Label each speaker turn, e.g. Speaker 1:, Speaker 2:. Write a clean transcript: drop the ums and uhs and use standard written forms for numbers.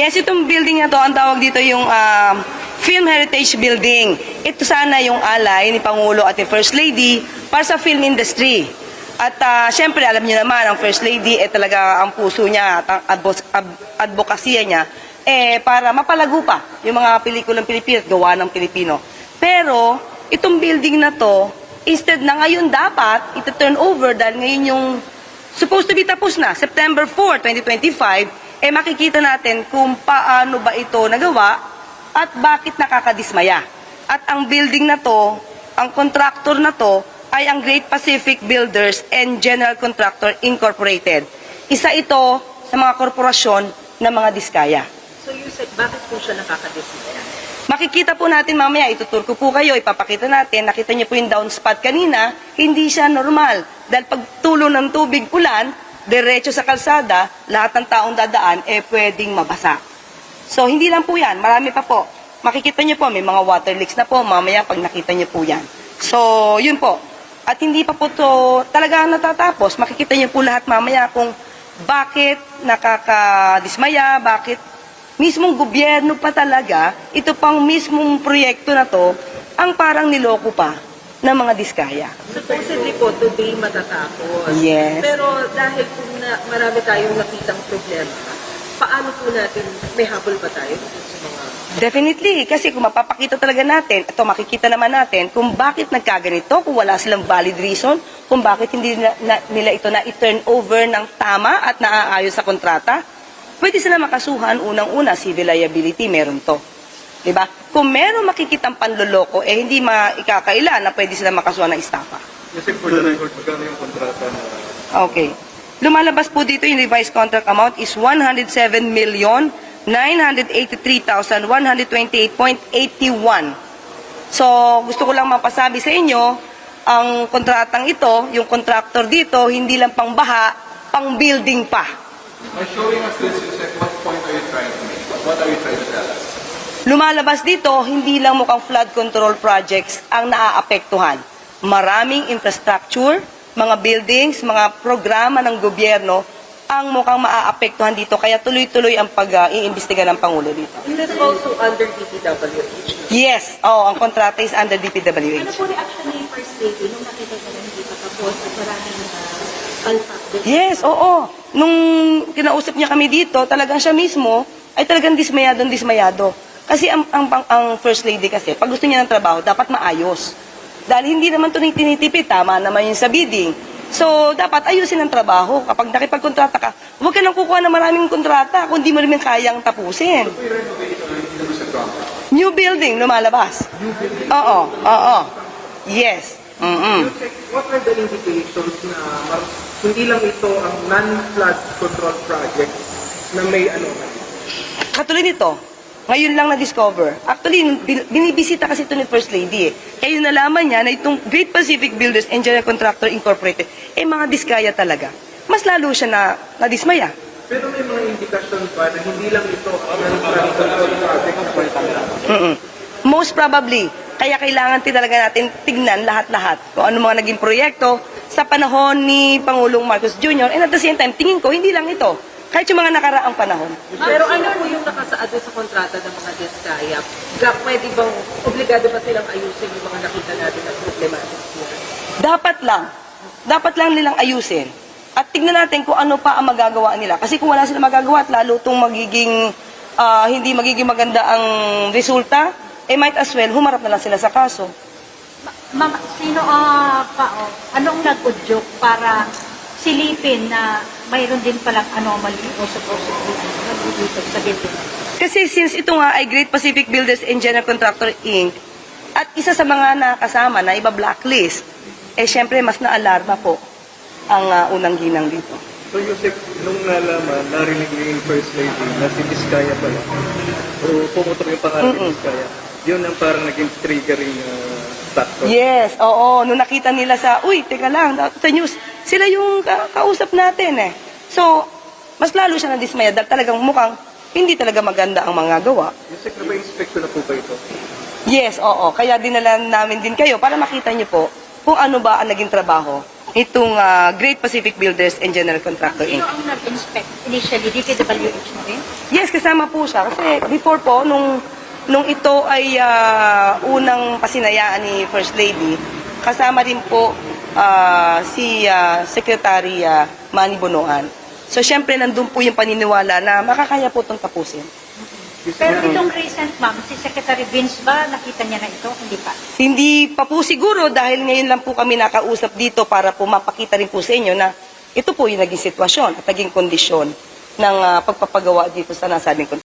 Speaker 1: Yes, itong building na to, ang tawag dito yung Film Heritage Building. Ito sana yung alay ni Pangulo at ni First Lady para sa film industry. At syempre, alam niyo naman, ang First Lady, talaga ang puso niya at ang advokasya niya, para mapalago pa yung mga pelikulang Pilipino at gawa ng Pilipino. Pero, itong building na to, instead na ngayon dapat, ito-turn over dahil ngayon yung supposed to be tapos na, September 4, 2025, makikita natin kung paano ba ito nagawa at bakit nakakadismaya. At ang building na to, ang contractor na to, ay ang Great Pacific Builders and General Contractor Incorporated. Isa ito sa mga korporasyon ng mga diskaya.
Speaker 2: So you said, bakit po siya nakakadismaya?
Speaker 1: Makikita po natin mamaya, itutur ko po kayo, ipapakita natin, nakita niyo po yung downspot kanina, hindi siya normal. Dahil pag tulo ng tubig ulan, diretso sa kalsada, lahat ng taong dadaan, pwedeng mabasa. So, hindi lang po yan, marami pa po. Makikita niyo po, may mga water leaks na po, mamaya pag nakita niyo po yan. So, yun po. At hindi pa po to talaga natatapos. Makikita niyo po lahat mamaya kung bakit nakakadismaya, bakit mismong gobyerno pa talaga, ito pang mismong proyekto na to, ang parang niloko pa ng mga diskaya.
Speaker 2: Supposedly po, today matatapos.
Speaker 1: Yes.
Speaker 2: Pero dahil kung marami tayong nakitang problema, paano po natin, may habol ba tayo sa mga...
Speaker 1: Definitely, kasi kung mapapakita talaga natin, ito makikita naman natin kung bakit nagkaganito, kung wala silang valid reason, kung bakit hindi nila ito na i-turn over ng tama at naaayos sa kontrata, pwede sila makasuhan unang-una, civil liability, meron to. Diba? Kung meron makikitang panloloko, hindi ikakaila na pwede sila makasuhan ng estafa.
Speaker 3: Kasi for the record, magkano yung kontrata na...
Speaker 1: Okay. Lumalabas po dito yung revised contract amount is 107,983,128.81. So, gusto ko lang mapasabi sa inyo, ang kontratang ito, yung contractor dito, hindi lang pang baha, pang building pa.
Speaker 3: By showing us this, Yusek, what point are you trying to make? What are you trying to tell us?
Speaker 1: Lumalabas dito, hindi lang mukhang flood control projects ang naaapektuhan. Maraming infrastructure, mga buildings, mga programa ng gobyerno ang mukhang maaapektuhan dito. Kaya tuloy-tuloy ang pag-iimbestiga ng Pangulo dito.
Speaker 2: Is this also under DPWH?
Speaker 1: Yes, ang kontrata is under
Speaker 4: Ano
Speaker 1: DPWH.
Speaker 4: po reaction ni First Lady nung nakita ko na hindi pa tapos at maraming alpak?
Speaker 1: Yes, oo. Nung kinausap niya kami dito, talagang siya mismo ay talagang dismayado. Kasi ang First Lady kasi, pag gusto niya ng trabaho, dapat maayos. Dahil hindi naman ito tinitipid, tama naman yung sa bidding. So, dapat ayusin ang trabaho. Kapag nakipagkontrata ka, huwag ka nang kukuha ng maraming kontrata kung di mo rin kayang tapusin. New building, lumalabas. Oo. Yes.
Speaker 5: Yusek, what are the indications na hindi lang ito ang non-flood control project na may anomaly?
Speaker 1: Katulad nito, ngayon lang na-discover. Actually, binibisita kasi ito ni First Lady. Kaya nalaman niya na itong Great Pacific Builders and General Contractor Incorporated, mga diskaya talaga. Mas lalo siya na-dismaya.
Speaker 5: Pero may mga indikasyon ba na hindi lang ito ang non-flood control project na may
Speaker 1: Most probably. Kaya kailangan talaga natin tignan lahat-lahat kung ano mga naging proyekto sa panahon ni Pangulong Marcos Jr. And at the same time, tingin ko, hindi lang ito. Kahit yung mga nakaraang panahon.
Speaker 2: Pero ano po yung nakasaad sa kontrata ng mga diskaya? Pwede bang, obligado ba silang ayusin yung mga nakita natin na problematic yan?
Speaker 1: Dapat lang nilang ayusin. At tignan natin kung ano pa ang magagawa nila. Kasi kung wala silang magagawa at lalo itong hindi magiging maganda ang resulta, might as well, humarap na lang sila sa kaso.
Speaker 4: Ma'am, anong nag-udyok para silipin na mayroon din palang anomaly o supposedly nag-udyok sa building?
Speaker 1: Kasi since ito nga ay Great Pacific Builders and General Contractor Inc., at isa sa mga nakasama na iba-blacklist, syempre mas na-alarma po ang unang ginang dito.
Speaker 3: So, Yusek, nung nalaman, narinig niyo yung First Lady na si Diskaya pala, o pumutok yung pangalan ni Diskaya, yun ang parang naging triggering factor.
Speaker 1: Yes, oo. Nung nakita nila teka lang, sa news, sila yung kausap natin So, mas lalo siya na-dismaya dahil talagang mukhang hindi talaga maganda ang mga gawa.
Speaker 3: Yusek, na ba inspector na po ba ito?
Speaker 1: Yes, oo. Kaya dinala namin din kayo para makita niyo po kung ano ba ang naging trabaho itong Great Pacific Builders and General Contractor Inc.
Speaker 4: Sino ang nag-inspect initially? DPWH na rin?
Speaker 1: Yes, kasama po siya. Kasi before po, nung ito ay unang pasinayaan ni First Lady, kasama din po si Secretary Manny Bonoan. So, syempre, nandun po yung paniniwala na makakaya po itong tapusin.
Speaker 4: Pero itong recent, ma'am, si Secretary Vince ba, nakita niya na ito? Hindi pa.
Speaker 1: Hindi pa po siguro dahil ngayon lang po kami nakausap dito para po mapakita rin po sa inyo na ito po yung naging sitwasyon at naging kondisyon ng pagpapagawa dito sa nasabing